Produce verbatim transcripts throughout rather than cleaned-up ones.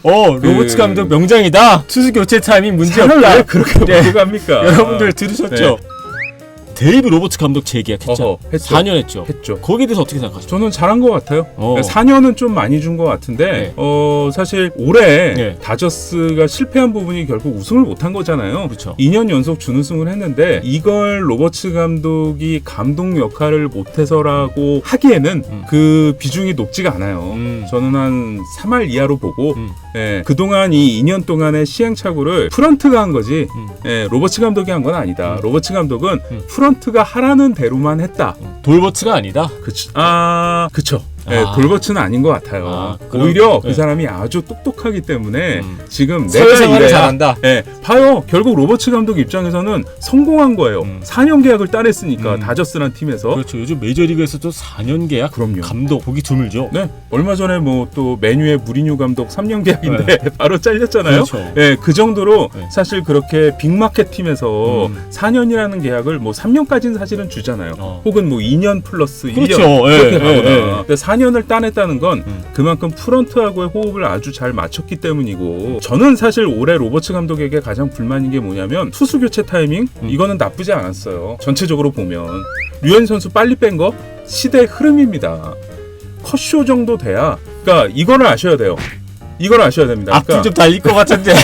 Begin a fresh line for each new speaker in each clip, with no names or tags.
어 로버츠
그...
감독 명장이다. 투수 교체 타이밍 문제 없다.
왜 그렇게 네. 보고 갑니까?
여러분들 들으셨죠? 네. 데이브 로버츠 감독 재계약했죠.
어허, 했죠.
사 년 했죠.
했죠.
거기에 대해서 어떻게 생각하세요?
저는 잘한 것 같아요.
어.
사 년은 좀 많이 준 것 같은데
네.
어, 사실 올해
네.
다저스가 실패한 부분이 결국 우승을 못한 거잖아요.
그렇죠.
이 년 연속 준우승을 했는데 이걸 로버츠 감독이 감독 역할을 못해서라고 하기에는 음. 그 비중이 높지가 않아요. 음. 저는 한 삼 할 이하로 보고 음. 예, 그동안 이 이 년 동안의 시행착오를 프런트가 한 거지 음. 예, 로버츠 감독이 한 건 아니다. 음. 로버츠 감독은 음. 프런트가 하라는 대로만 했다.
돌버츠가 아니다?
그치. 아, 그쵸. 네,
아.
돌버츠는 아닌 것 같아요.
아, 그럼,
오히려
네.
그 사람이 아주 똑똑하기 때문에
음.
지금 내가
사회생활을
이래야
잘한다.
네, 봐요. 결국 로버츠 감독 입장에서는 성공한 거예요.
음.
사 년 계약을 따냈으니까
음.
다저스란 팀에서.
그렇죠. 요즘 메이저리그에서도 사 년 계약
그럼요.
감독 보기 드물죠.
네, 얼마 전에 뭐 또 메뉴의 무리뉴 감독 삼 년 계약인데
네.
바로 잘렸잖아요.
그렇죠.
네, 그 정도로
네.
사실 그렇게 빅마켓 팀에서
음.
사 년이라는 계약을 뭐 삼 년까지는 사실은 주잖아요.
어.
혹은 뭐 이 년 플러스 일 년
그렇죠.
그렇게
예,
가거나.
예, 예.
근데 사 년을 따냈다는 건
음.
그만큼 프런트하고의 호흡을 아주 잘 맞췄기 때문이고, 저는 사실 올해 로버츠 감독에게 가장 불만인 게 뭐냐면 투수 교체 타이밍
음.
이거는 나쁘지 않았어요. 전체적으로 보면 류현 선수 빨리 뺀 거 시대의 흐름입니다. 컷쇼 정도 돼야, 그러니까 이거를 아셔야 돼요. 이걸 아셔야 됩니다.
앞뒤
그러니까
좀 달릴 것 같은데.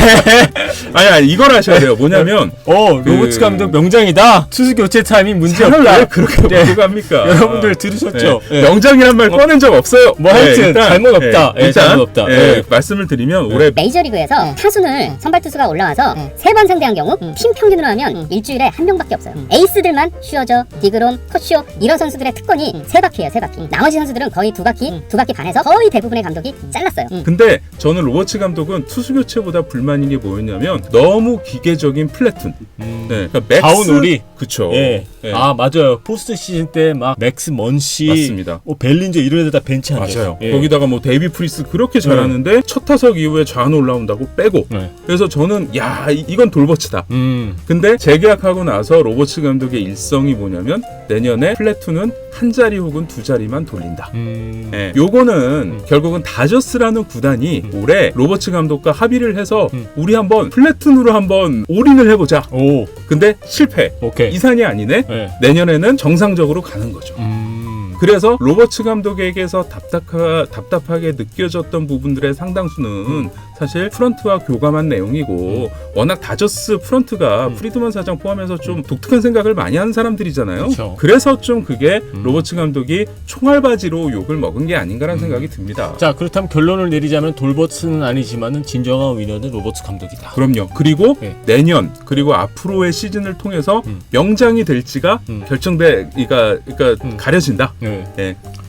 아니 아니 이걸 아셔야 돼요. 뭐냐면
어
그...
로버츠 감독 명장이다. 투수 교체 타이밍 문제 없다.
왜 그렇게
네.
보고 갑니까?
여러분들 들으셨죠?
네.
네.
명장이란 말
뭐,
꺼낸 적 없어요.
뭐 하여튼
네, 일단,
잘못 없다.
네,
네,
일단
잘못 없다.
네,
네.
말씀을 드리면
네.
올해
메이저리그에서 타순을 선발 투수가 올라와서 세 번 상대한 경우 팀 평균으로 하면 일주일에 한 명밖에 없어요. 에이스들만 슈어저, 디그롬, 컷쇼 이런 선수들의 특권이 세 바퀴예요. 세 바퀴. 나머지 선수들은 거의 두 바퀴, 두 바퀴 반에서 거의 대부분의 감독이 잘랐어요.
근데 저는 로버츠 감독은 투수 교체보다 불만인 게 뭐였냐면 너무 기계적인 플래툰.
음.
네, 그러니까 맥스
다운우리.
그쵸.
예.
네.
아 맞아요. 포스트 시즌 때 막 맥스 먼시,
맞습니다.
뭐 벨린저 이런 애들 다 벤치 앉아.
맞아요.
예.
거기다가 뭐 데이비 프리스 그렇게 잘하는데 첫 타석 이후에 좌안 올라온다고 빼고.
네.
그래서 저는 야 이- 이건 돌버츠다.
음.
근데 재계약하고 나서 로버츠 감독의 일성이 뭐냐면 내년에 플래툰은 한 자리 혹은 두 자리만 돌린다.
음.
네, 요거는 결국은 다저스라는 구단이
음.
올해 로버츠 감독과 합의를 해서
음.
우리 한번 플래툰으로 한번 올인을 해보자.
오.
근데 실패.
오케이.
이산이 아니네.
네.
내년에는 정상적으로 가는 거죠.
음.
그래서 로버츠 감독에게서 답답하, 답답하게 느껴졌던 부분들의 상당수는 사실 프런트와 교감한 내용이고, 워낙 다저스 프런트가
음.
프리드먼 사장 포함해서 좀 독특한 생각을 많이 하는 사람들이잖아요.
그렇죠.
그래서 좀 그게
음.
로버츠 감독이 총알바지로 욕을 먹은 게 아닌가라는 생각이 듭니다.
자 그렇다면 결론을 내리자면 돌버츠는 아니지만은 진정한 위너는 로버츠 감독이다.
그럼요. 그리고
네.
내년 그리고 앞으로의 시즌을 통해서
음.
명장이 될지가
음.
결정돼, 그러니까, 그러니까
음.
가려진다.
네.
네.